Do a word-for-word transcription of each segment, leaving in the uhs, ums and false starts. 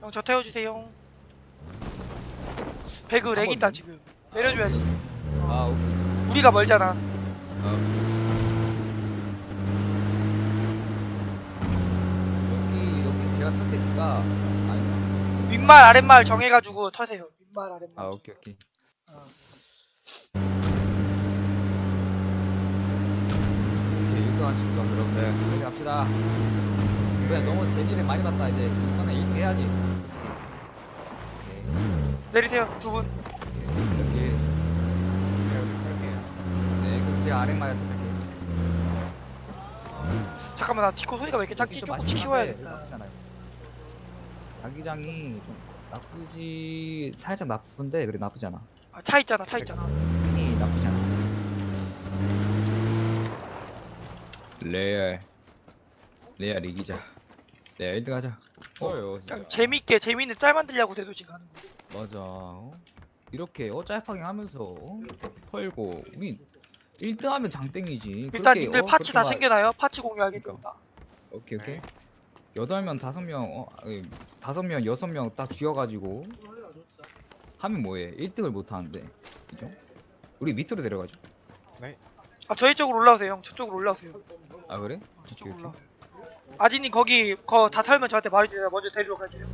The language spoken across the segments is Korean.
형 저 태워주세요. 배그 렉 있다 지금. 내려줘야지. 아 오케이. 우리가 멀잖아. 어. 여기 여기 제가 탈 테니까. 아니. 윗말 아랫말 정해가지고 터세요. 윗말 아랫말. 아 오케이 오케이. 어. 오케이 일 등 할 수 있어. 그럼 네. 저기 갑시다. 그래 너무 재미를 많이 봤다 이제. 이번에 일 등 해야지. 오케이. 내리세요 두 분. 오케이. 네 그럼 제가 아랫말에 탈게요. 잠깐만 나 디코 소리가 왜 이렇게 작지? 조금씩 쉬워야겠다. 자기장이 좀 나쁘지 살짝 나쁜데 그래 나쁘지 않아. 아, 차 있잖아 차 있잖아. 이 나쁘지 않아. 레알 레알 이기자. 레알 일 등 하자. 어요 그냥 재밌게 재밌는 짤 만들려고 대도시 가는 거. 맞아. 어? 이렇게 어 짧게 하면서 어? 털고 우리 일 등 하면 장땡이지. 일단 그렇게, 님들 어, 파츠 다 그렇게 말- 챙겨놔요. 파츠 공유하겠습니다. 오케이 오케이. 여덟 명 다섯 명 어, 아니, 다섯 명 여섯 명 딱 쥐어가지고 하면 뭐해? 일 등을 못 하는데, 그죠? 우리 밑으로 내려가죠. 아 저희 쪽으로 올라오세요 형. 저쪽으로 올라오세요. 아 그래? 저쪽으로 오케이, 올라오세요. 아지님 거기 거 다 털면 저한테 말해주세요. 먼저 데리러 갈게요.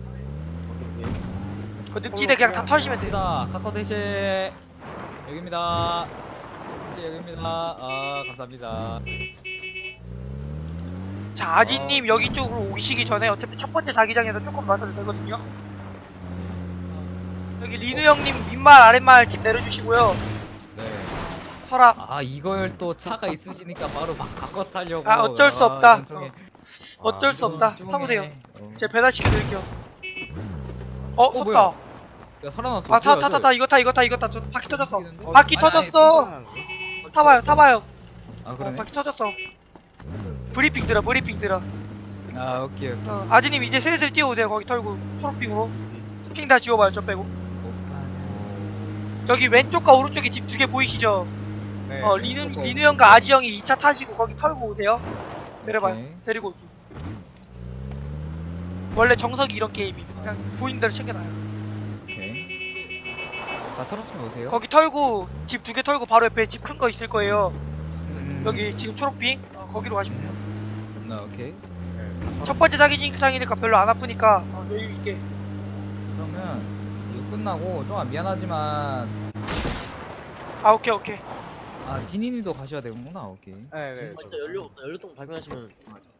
그 늪지대 그냥 다 털시면 돼요. 갑시다. 카카오 대시 여기입니다. 대시 여기입니다. 아 감사합니다. 자 아지님 어. 여기 쪽으로 오시기 전에 어차피 첫 번째 자기장에서 조금 맞아도 되거든요. 여기 리누 형님 윗말 아랫말 집 내려주시고요. 네. 설아. 아 이걸 또 차가 있으시니까 바로 막 바꿔 타려고. 아 어쩔 수 없다. 이건 통해. 어쩔 수 이건 없다. 좀 타보세요. 통해. 어. 제가 배달시켜드릴게요. 어, 어, 섰다. 뭐야? 야 살아났어. 아, 타, 뭐야, 타, 타, 저- 타. 이거 타, 이거 타, 이거 타. 저 바퀴 터졌어. 어, 바퀴 아니, 아니, 터졌어. 타봐요, 타봐요. 아 어, 그러네. 바퀴 터졌어. 브리핑 들어, 브리핑 들어. 아 오케이 오케이. 어, 아지님 이제 슬슬 뛰어오세요. 거기 털고 초록핑으로. 핑 다 지워봐요, 저 빼고. 저기 왼쪽과 오른쪽에 집 두 개 보이시죠? 네. 어, 리누, 리누 형과 아지 형이 이 차 타시고 거기 털고 오세요. 내려봐요. 오케이. 데리고 올게요. 원래 정석이 이런 게임이 그냥 보이는 대로 챙겨놔요. 오케이. 다 털었으면 오세요. 거기 털고 집 두 개 털고 바로 옆에 집 큰 거 있을 거예요. 음, 여기 지금 초록핑 어, 거기로 가시면 돼요. 나 오케이. 첫 번째 자기장이니까 별로 안 아프니까 어, 여유 있게. 그러면 이거 끝나고 좀 미안하지만 아 오케이 오케이. 아 디니님도 가셔야 되는구나. 오케이. 네, 네. 아, 진짜 연료 없다. 연료통 발견하시면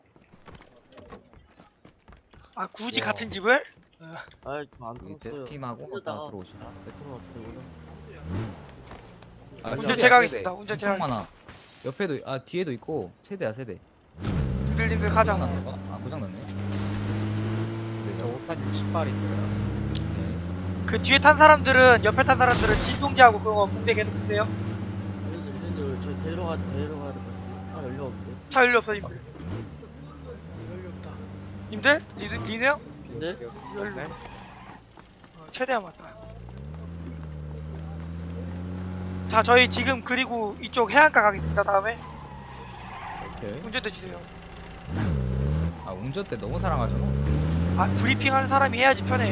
아 굳이 와. 같은 집을? 아안 여기 들었어요. 데스킴하고 다 이러다가 들어오시나. 메트로 어떻게 오냐? 아, 운전 세대야, 제가 세대. 하겠습니다. 운전 제가 엄청 많아. 옆에도 아 뒤에도 있고 세대야 세대. 님들님들 가자. 고장 났나 봐? 아 고장 났네. 저 네, 오탄 육십 발 있어요. 오케이. 그 뒤에 탄 사람들은 옆에 탄 사람들은 진동제하고 그거 붕대 계속 쓰세요. 얘네들 얘네들 저 데려가 데려가야 될 것 같아. 아 연료 없는데. 차 연료 없어 님들. 연료 없다. 님들? 리드, 리드 형? 근데 연료. 네. 어, 최대한 맞다. 자 저희 지금 그리고 이쪽 해안가 가겠습니다. 다음에 오케이. 운전대 주세요. 아 운전대 너무 사랑하잖아. 아 브리핑하는 사람이 해야지 편해.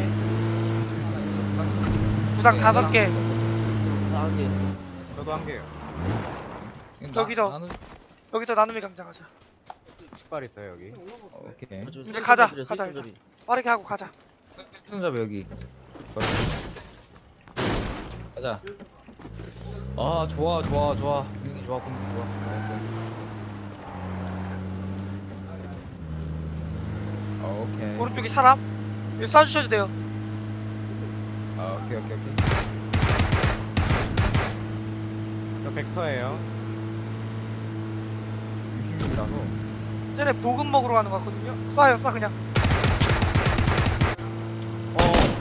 네, 구상 다섯 개. 싸게 저도 한 개요. 여기도. 나는 여기서 나눔의 강자 가자. 육십 발 있어요 여기. 오케이. 이제 가자, 가자, 일단. 빠르게 하고 가자. 손잡이 여기. 가자. 아 좋아 좋아 좋아. 분위기 좋아 분위기 좋아. 알았어. 어, 오케이. 오른쪽에 사람. 여기 쏴주셔도 돼요. 아 오케이 오케이 오케이. 저 벡터예요. 유심이라서. 쟤네 보급 먹으러 가는 거 같거든요. 쏴요, 쏴 그냥. 어.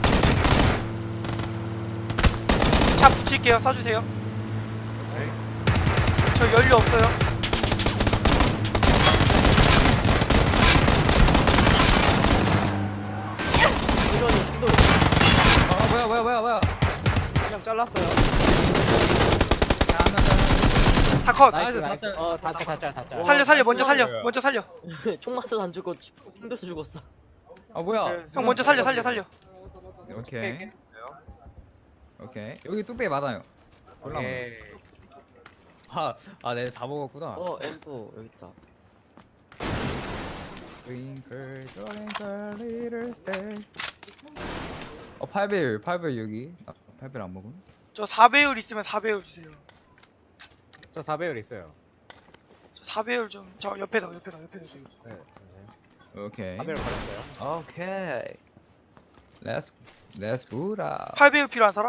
차 붙일게요. 쏴주세요. 네. 저 연료 없어요. 충전이 충돌. 아 뭐야 뭐야 뭐야 뭐야. 그냥 잘랐어요. 다 컷. 나이스, 나이스. 다 짤. 어, 다 짤, 다 짤, 다 짤. 살려, 살려. 먼저 살려. 뭐야. 먼저 살려. 총 맞아서 안 죽고 튕겨서 죽었어. 아 뭐야. 형 먼저 살려, 살려, 살려. 오케이. 깼어요. 오케이. 여기 뚝배기 많아요. 올라오네. 오케이. 아, 아, 네, 다 먹었구나. 어 엠포 여기 있다. Twinkle, twinkle, little star. 어, 팔 배율, 팔 배율 여기. 아, 팔 배율 안 먹음? 저 사 배율 있으면 사 배율 주세요. 저 사 배율 있어요. 저 사 배율 좀 저 옆에다 옆에다 옆에다 주세요. 네. 오케이. 사 배율 받았어요. 오케이. Let's, let's boot up. 팔 배율 필요한 사람?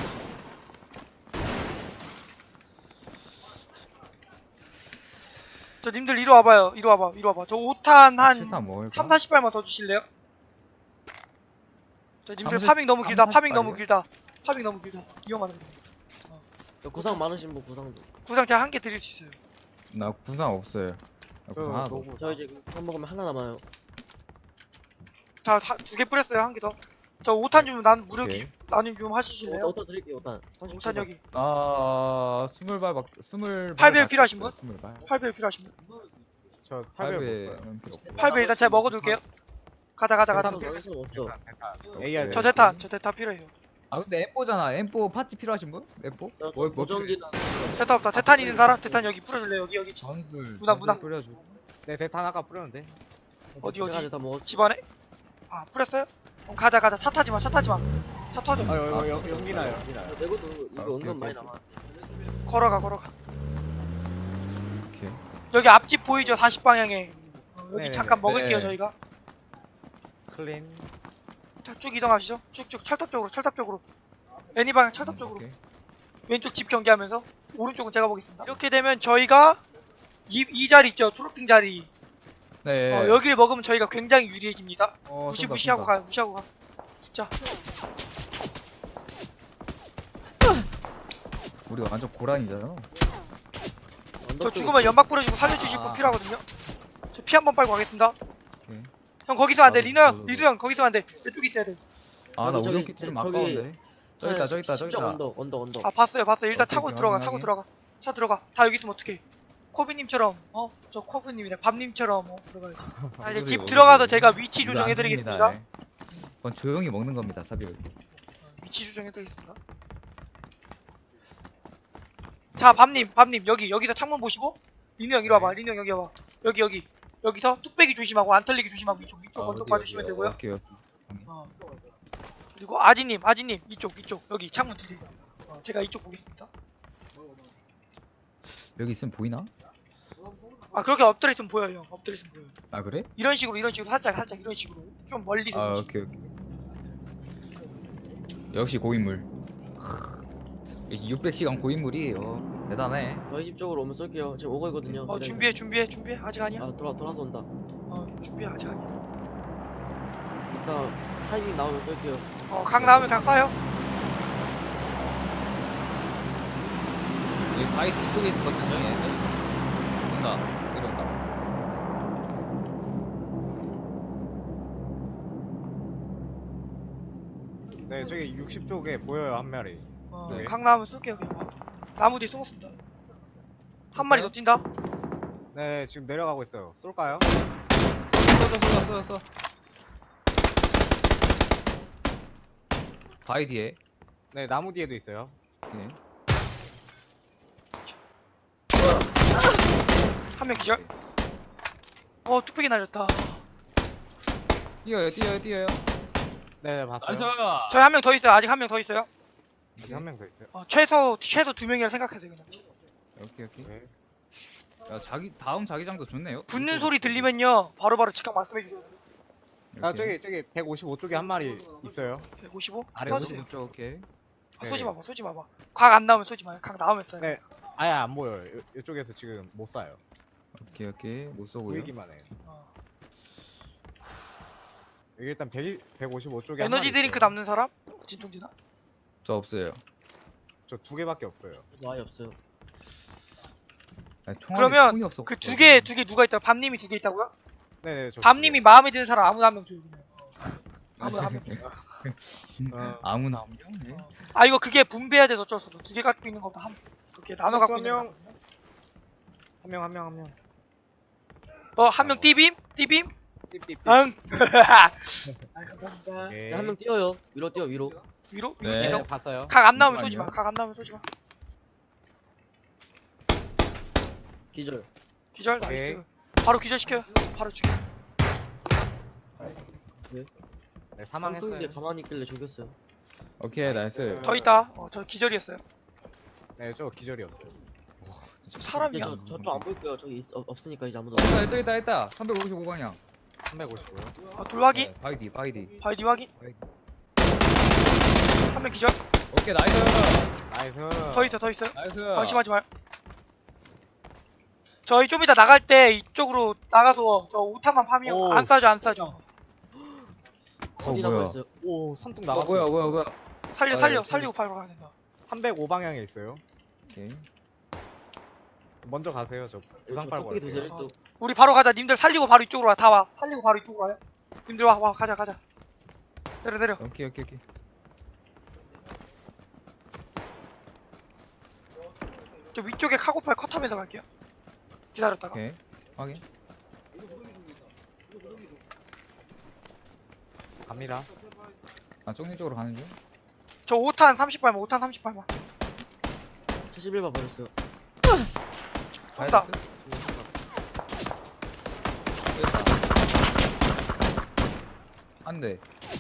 저 님들 이리 와봐요. 이리 와봐. 이리 와봐. 저 오 탄 한 칠탄 먹을까? 삼, 사십 발만 더 주실래요? 저 님들 삼십, 파밍 너무 길다. 삼, 파밍 너무 사십 길다. 파밍 너무 길다. 위험하다. 저 구상 많으신 분 구상도. 구상 제가 한 개 드릴 수 있어요. 나 구상 없어요. 나 저 구상 하나도 없어. 노구. 저 이제 한 먹으면 하나 남아요. 자, 두 개 뿌렸어요. 한 개 더. 저 오 탄 좀 난 무료 오케이. 기 나눔 좀 하시실래요? 오탄 드릴게요 오탄. 오 탄 여기. 아, 스물 발밖, 스물 팔 배율 발밖에 필요하신 없어요, 분? 스물 발. 팔 배율 필요하신 분? 저 팔 팔 배율 배율 없어요. 필요 없고. 팔 배율 일단 제가 먹어둘게요. 가자 가자 가자. 오탄 넣을 수 없죠. 에이알. 저 대탄 저 대탄 필요해요. 아, 근데 엠포잖아. 엠포 파츠 필요하신 분? 엠포? 저 뭐, 뭐 보정기는 대탄 없다. 대탄 있는 사람? 대탄 여기 뿌려줄래요? 여기 여기 집, 전술 문화, 문화. 전술 뿌려주고. 네, 대탄 아까 뿌렸는데. 어디 제가 어디? 다 먹었. 집안에? 아 뿌렸어요? 그럼 가자 가자. 차 타지 마. 차 타지 마. 차 터져. 아, 여기 여기 연기 나요. 연기 나요. 내고도 이거 아, 오케이, 은근 많이 오케이. 남아. 걸어가 걸어가. 오케이. 여기 앞집 보이죠? 사십 방향에. 어, 여기 네네네. 잠깐 먹을게요 네. 저희가. 클린. 자, 쭉 이동하시죠. 쭉쭉 철탑 쪽으로 철탑 쪽으로. 애니 방향 철탑 쪽으로. 오케이. 왼쪽 집 경계하면서 오른쪽은 제가 보겠습니다. 이렇게 되면 저희가 이, 이 자리 있죠? 트로핑 자리. 네. 어, 여기를 먹으면 저희가 굉장히 유리해집니다. 어, 무시 쏜다, 무시하고 쏜다. 가요. 무시하고 가. 진짜. 우리 완전 고란이잖아. 저 죽으면 연막 뿌려주고 살려주실 분 아. 필요하거든요. 저 피 한 번 빨고 가겠습니다. 오케이. 형 거기서 안 돼. 나도, 리노 형, 나도. 리노 형 거기서 안 돼. 이쪽에 있어야 돼. 아, 나 저기, 오염 키트 좀 저기, 아까운데. 저기 있다, 저기 있다, 저기 있다. 언덕 언덕 언덕. 아 봤어요, 봤어요. 일단 오케이, 차고 오케이, 들어가, 확인, 차고 확인. 들어가. 차 들어가. 다 여기 있으면 어떡해. 코비님처럼, 어? 저 코비님이네. 밥님처럼 어, 들어가야지. 아, 이제 어디, 집 어디, 들어가서 어디. 제가 위치 이거 안 조정해드리겠습니다. 줍니다, 예. 그건 조용히 먹는 겁니다, 사비를. 위치 조정해드리겠습니다. 자, 밥님, 밥님 여기 여기서 창문 보시고 리노 형 이리 와봐. 리노 형 여기 와봐. 여기 여기 여기서 뚝배기 조심하고 안 털리기 조심하고 이쪽 이쪽 언덕 봐주시면 되고요. 아, 오케이, 오케이. 어. 그리고 아지님, 아지님 이쪽 이쪽 여기 창문 뒤에. 어, 제가 이쪽 보겠습니다. 여기 있으면 보이나? 아 그렇게 엎드려 있으면 보여요. 형. 엎드려 있으면 보여요. 아, 그래? 이런 식으로 이런 식으로 살짝 살짝 이런 식으로 좀 멀리서 아, 이런 식으로. 오케이, 오케이. 역시 고인물. 역시 육백 시간 고인물이에요. 대단해. 저희 집 쪽으로 오면 쏠게요. 지금 오고 있거든요. 어 준비해 준비해 준비해 아직 아니야. 아 돌아 돌아서 온다. 어 준비해 아직 아니야. 일단 타이밍 나오면 쏠게요. 어강 나오면 강 쏴요. 여기 바위 뒤쪽에 있었거든요, 얘네. 온다. 내려온다. 네, 저기 육십 쪽에 보여요, 한 마리. 네. 어강 나오면 쏠게요 그냥. 나무 뒤에 숨었습니다. 한 마리 더 뛴다. 네, 지금 내려가고 있어요. 쏠까요? 쏘, 쏘, 쏘, 쏘, 쏘. 바위 뒤에. 네, 나무 뒤에도 있어요. 오케이. 한 명 기절. 어 뚝배기 날렸다. 뛰어요, 뛰어요, 뛰어요. 네, 네, 봤어요. 저희 한 명 더 있어요. 아직 한 명 더 있어요. 지금 한 명 더 있어요. 어, 최소 최소 두 명이라 생각하세요 그냥. 오케이, 오케이. 네. 야, 자기 다음 자기장도 좋네요. 붙는 소리 들리면요 바로바로 즉각 말씀해 주세요. 아, 저기 저기 백오십오 쪽에 한 마리 있어요. 백오십오? 아래 쏘세요. 오른쪽, 오케이. 아, 네. 쏘지 마봐, 쏘지 마봐. 각 안 나오면 쏘지 마요. 각 나오면 쏴요. 네. 아예 안 보여요. 요, 이쪽에서 지금 못 쏴요. 오케이, 오케이. 못 쏘고요. 보이기만 해요. 어. 여기 일단 백, 백오십오 쪽에 에너지 드링크 담는 사람? 진통제나? 저 없어요. 저두 개밖에 없어요. 아예 없어요. 아니, 총알이 그러면 총이 없어. 그 두 개, 두 개 누가 있다고? 밤님이 두 개 있다고요? 네네. 저 밤님이 마음에 드는 사람 아무나 한 명 줘요. 그냥. 아무나 한 명 줘요. 어. 아무나 한 명? 네. 아 이거 그게 분배해야 돼서 어쩔 수 없어. 두 개 갖고 있는 것보다 한 그렇게 나눠 갖고 있는 명. 거. 한 명 한 명 한 명. 어, 한 명 띠빔? 띠빔? 띠띠띠. 응. 아, 감사합니다. 오케이. 한 명 뛰어요. 위로 뛰어 위로. 위로? 네. 위로 네, 뛰다고? 봤어요. 각 안 나오면 쏘지 잠시만요. 마. 각 안 나오면 쏘지 마. 기절. 기절 오케이. 나이스. 바로 기절 시켜요. 바로 죽여. 네, 쌍둥이인데 사망했어요. 가만히 있길래 죽였어요. 오케이 나이스. 더 있다. 어, 저 기절이었어요. 네, 저 기절이었어요. 저 사람이야. 저 저쪽 안 보일게요. 저기 있, 없, 없으니까 이제 아무도. 있다 있다 있다 있다. 삼백오십오 방향. 삼백오십고요. 어, 돌 확인. 네, 바이디 바이디. 바이디 확인. 바이디. 한 명 기절. 오케이 나이스. 나이스. 더 있어 더 있어요. 나이스. 방심하지 말. 저희 좀 이따 나갈 때 이쪽으로 나가서 저 오타만 파면 오, 안 싸죠 안 싸죠. 어 어디 뭐야? 남아 있어요? 오, 선뚝 어 나갔어. 뭐야 뭐야 뭐야. 살려 아, 살려 네, 살리고 파로 가야 된다. 삼백오 방향에 있어요. 오케이. 먼저 가세요. 저 부상 빨고 뚝배기 갈게요. 드세요. 또 우리 바로 가자. 님들 살리고 바로 이쪽으로 와. 다 와. 살리고 바로 이쪽으로 와요. 님들 와 와 가자 가자. 내려 내려. 오케이 오케이 오케이. 저 위쪽에 카고팔 컷하면서 갈게요. 기다렸다가. 오케이. 확인. 갑니다. 아 쪽님 쪽으로 가는 중. 저 오 탄 삼십 발만 오 탄 삼십 발만. 칠십일 번 버렸어요. 온다. 한 대.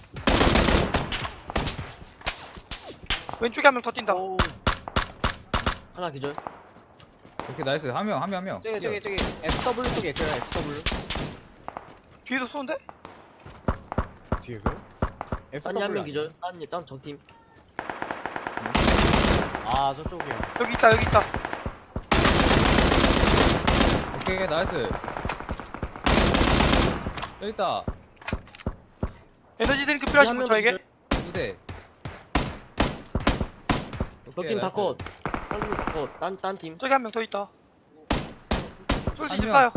왼쪽에 한 명 더 뛴다. 오, 하나 기절. 오케이 나이스. 한 명 한 명 한 명. 저기 저기 저기 에스더블유 쪽에 있어요. 에스더블유 뒤에서 쏘는데? 뒤에서. 딴이 한 명 에스더블유. 기절. 딴이 딴 적팀. 아, 저쪽이요. 여기 있다 여기 있다. 오케이 나이스. 여기 있다. 에너지 드링크 필요하신 분 한 저에게? 명 두 대. 적팀 다 컷. 딴팀 다 컷. 딴딴 팀. 저기 한 명 더 있다. 쏠수 한 있을까요?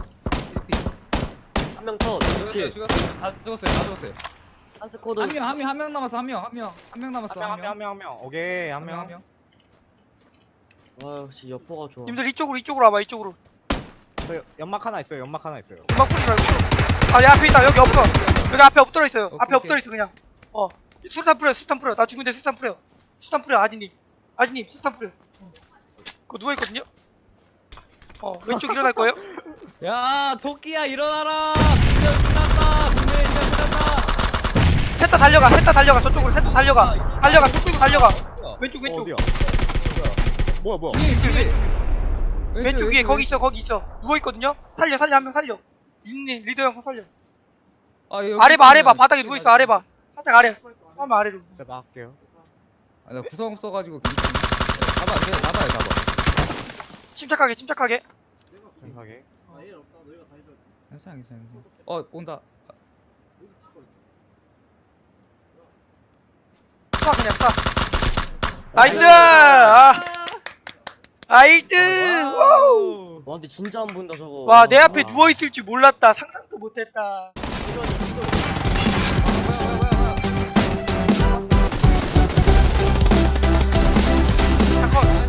한 명 컷. 죽었어요 이렇게. 죽었어요. 다 죽었어요 다 죽었어요. 한 스쿼드. 한 명 한 명 한 명 남았어 한 명 한 명 한 명 남았어 한 명 한 명 한 명 한 명. 오케이, 한 명. 명. 와 역시 여포가 좋아. 님들 이쪽으로 이쪽으로 와봐 이쪽으로. 저 연막 하나 있어요. 연막 하나 있어요. 음악 뿌리지 말고. 아, 내 앞에 있다. 여기 없어. 여기 앞에 엎드려 있어요. 오케이, 앞에 오케이. 엎드려 있어 그냥. 어. 수탄 뿌려, 수탄 뿌려. 나 죽은데 수탄 뿌려. 수탄 뿌려, 아지님. 아지님, 수탄 뿌려. 어. 그거 누워 있거든요. 어, 왼쪽 일어날 거예요. 야 토끼야 일어나라. 진짜 끝났다. 분명히 진짜 끝났다. 셋 다 달려가, 셋 다 달려가. 저쪽으로 셋 다 달려가. 달려가, 뚝 끌고 달려가. 왼쪽, 어, 왼쪽. 어디야? 뭐야, 뭐야? 뒤에 왼쪽, 뒤에. 왼쪽. 왼쪽 위에 거기 있어, 거기 있어. 누워 있거든요. 살려, 살려, 한 명 살려. 님, 리더 형 살려. 아, 여기 아래 봐, 아래 봐. 있으면- 바닥에 누워 있어, 아래 봐. 살짝 아래. 한번 아래로. 제가 할게요. 아, 나 구성 없어가지고 괜히- 잡아 안 돼. 잡아요 잡아. 침착하게, 침착하게. 정확하게. 괜찮아 괜찮아 괜찮아. 어 온다. 쏴, 그냥 쏴. 나이스! 아, 나이스! 와우! 와 근데 진짜 안 보인다 저거. 와, 내 앞에 와. 누워 있을 줄 몰랐다. 상상도 못했다. 잠깐,